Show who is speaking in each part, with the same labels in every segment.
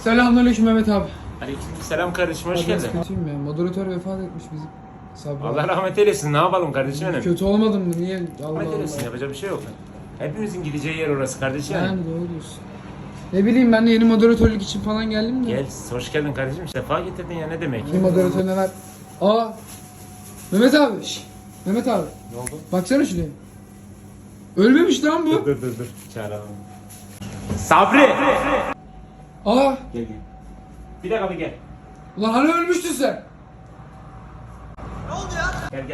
Speaker 1: Selamünaleyküm Mehmet abi.
Speaker 2: Selam kardeşim, hoş geldin.
Speaker 1: Kötüyüm ya. Moderatör vefat etmiş bizim. Sabri.
Speaker 2: Allah rahmet eylesin, ne yapalım kardeşim benim?
Speaker 1: Kötü olmadım mı? Niye? Allah
Speaker 2: Rahmet eylesin, yapacak bir şey yok. Hepimizin gideceği yer orası kardeşim.
Speaker 1: Yani doğru diyorsun. Ne bileyim, ben de yeni moderatörlük için falan geldim de.
Speaker 2: Gel, hoş geldin kardeşim. Sefa getirdin ya, ne demek?
Speaker 1: Yeni moderatör ne var? Aa! Mehmet abi. Mehmet abi.
Speaker 2: Ne oldu?
Speaker 1: Baksana şuraya. Ölmemiş lan bu.
Speaker 2: Dur. Çağıralım. Sabri!
Speaker 1: Aa!
Speaker 2: Gel. Bir dakika gel.
Speaker 1: Ulan hani ölmüştün sen?
Speaker 2: Gel.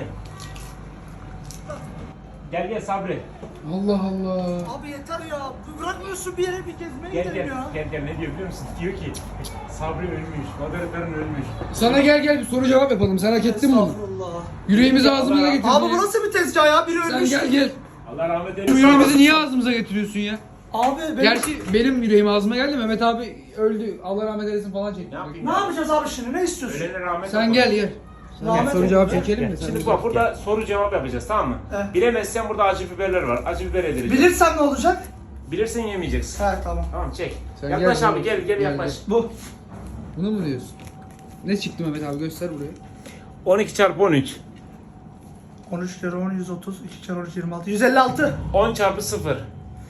Speaker 2: Gel Sabri.
Speaker 1: Allah Allah.
Speaker 3: Abi yeter ya. Bırakmıyorsun bir yere bir gezmeye gidelim ya.
Speaker 2: Gel ne diyor biliyor musun? Diyor ki Sabri ölmüş, moderatörün ölmüş.
Speaker 1: Sana gel bir soru cevap yapalım. Sen hak ettin bunu.
Speaker 3: Estağfurullah.
Speaker 1: Yüreğimizi ağzımıza getirdin.
Speaker 3: Abi bu nasıl bir tezgah ya? Biri
Speaker 1: Sen
Speaker 3: ölmüş.
Speaker 1: gel.
Speaker 2: Allah rahmet
Speaker 1: Bu
Speaker 2: eylesin.
Speaker 1: yüreğimizi niye ağzımıza getiriyorsun ya?
Speaker 3: Abi
Speaker 1: Gerçi benim yüreğim ağzıma geldi. Mehmet abi öldü. Allah rahmet eylesin falan çekti.
Speaker 2: Ne yapayım?
Speaker 3: ne yapacağız abi şimdi? Ne istiyorsun?
Speaker 2: Ölene rahmet
Speaker 1: Sen
Speaker 2: olsun.
Speaker 1: gel.
Speaker 3: Rahmet
Speaker 1: Soru
Speaker 3: olsun.
Speaker 1: cevap çekelim mi?
Speaker 2: Gel.
Speaker 1: Sen
Speaker 2: Şimdi
Speaker 1: de
Speaker 2: bak
Speaker 1: gel.
Speaker 2: burada soru cevap yapacağız, tamam mı?
Speaker 3: He.
Speaker 2: Bilemezsen burada acı biberler var. Acı biber yedireceğiz.
Speaker 3: Bilirsem ne olacak?
Speaker 2: Bilirsen yemeyeceksin.
Speaker 3: He tamam.
Speaker 2: Tamam çek.
Speaker 1: Sen
Speaker 2: Yaklaş
Speaker 1: gel,
Speaker 2: abi gel yaklaş.
Speaker 3: Bu.
Speaker 1: Bunu mu diyorsun? Ne çıktı Mehmet abi, göster buraya.
Speaker 2: 12 çarpı 13.
Speaker 3: 13 kere 10 130, 2 kere 13 26. 156.
Speaker 2: 10 çarpı 0.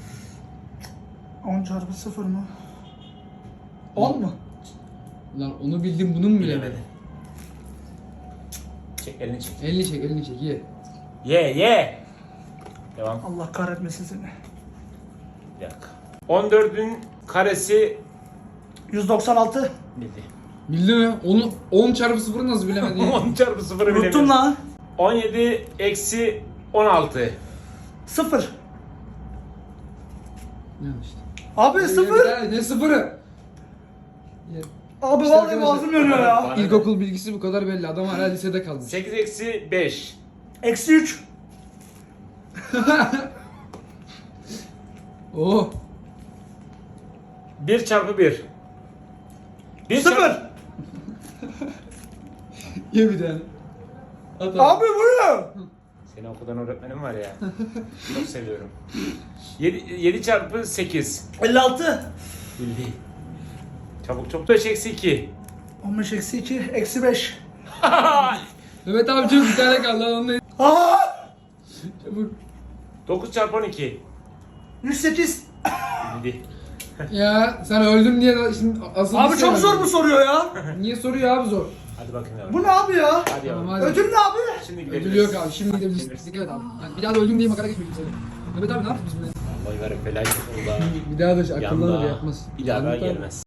Speaker 3: 10 çarpı 0 mı? 10 mu?
Speaker 1: Lan onu bildim, bunu mu bilemedin?
Speaker 2: Çek elini çek.
Speaker 1: Elini çek ye.
Speaker 2: Ye. Devam.
Speaker 3: Allah kahretmesin seni.
Speaker 2: Bir dakika. 14'ün karesi
Speaker 3: 196.
Speaker 2: bildi.
Speaker 1: Bildi mi? Onu 10 çarpı 0'ı nasıl bilemedin ya?
Speaker 2: 10 çarpı 0'ı
Speaker 3: Unuttum
Speaker 2: bilemiyorsun.
Speaker 3: lan.
Speaker 2: 17 eksi 16.
Speaker 3: 0.
Speaker 1: Ne işte?
Speaker 3: Abi 0.
Speaker 1: Ya, ne sıfırı? Ya,
Speaker 3: Abi
Speaker 1: İşte
Speaker 3: vallahi
Speaker 1: arkadaşlar-
Speaker 3: boğazım yanıyor ya.
Speaker 1: İlkokul bilgisi bu kadar belli. Adam hala lisede kalmış.
Speaker 2: 8 eksi 5.
Speaker 3: Eksi 3.
Speaker 1: Oh.
Speaker 2: 1 çarpı 1.
Speaker 3: 0.
Speaker 1: Ye bir tane. At
Speaker 3: Abi bu ne?
Speaker 2: Seni okuldan öğretmenim var ya. Çok seviyorum. 7 çarpı 8.
Speaker 3: 56.
Speaker 2: Bildi. Çabuk 5 eksi 2.
Speaker 3: 15 eksi 2. Eksi 5.
Speaker 1: Mehmet abi çok bir tane kaldı lan, onu da
Speaker 3: Aa!
Speaker 1: çabuk.
Speaker 2: 9 çarpı 12.
Speaker 3: 108.
Speaker 2: Bildi.
Speaker 1: Ya sen öldüm diye da şimdi asıl
Speaker 3: Abi çok zor mu soruyor ya?
Speaker 1: Niye soruyor abi zor?
Speaker 2: Hadi bakayım yavrum.
Speaker 3: Bu ne abi ya?
Speaker 2: Hadi yavrum.
Speaker 1: Tamam hadi.
Speaker 3: Ödül ne abi?
Speaker 2: Şimdi
Speaker 1: Ödül
Speaker 2: gidebiliriz.
Speaker 1: yok abi, şimdi gidebiliriz. Dikkat et abi. Yani bir daha da öldüm diye makara geçmeyin seni. Mehmet abi ne yaptık biz bunu?
Speaker 2: Vallahi var ya, felaket oldu ha.
Speaker 1: Bir daha da akıllanır
Speaker 2: Yanda.
Speaker 1: yapmaz.
Speaker 2: Bir daha
Speaker 1: Mehmet abi.
Speaker 2: gelmez.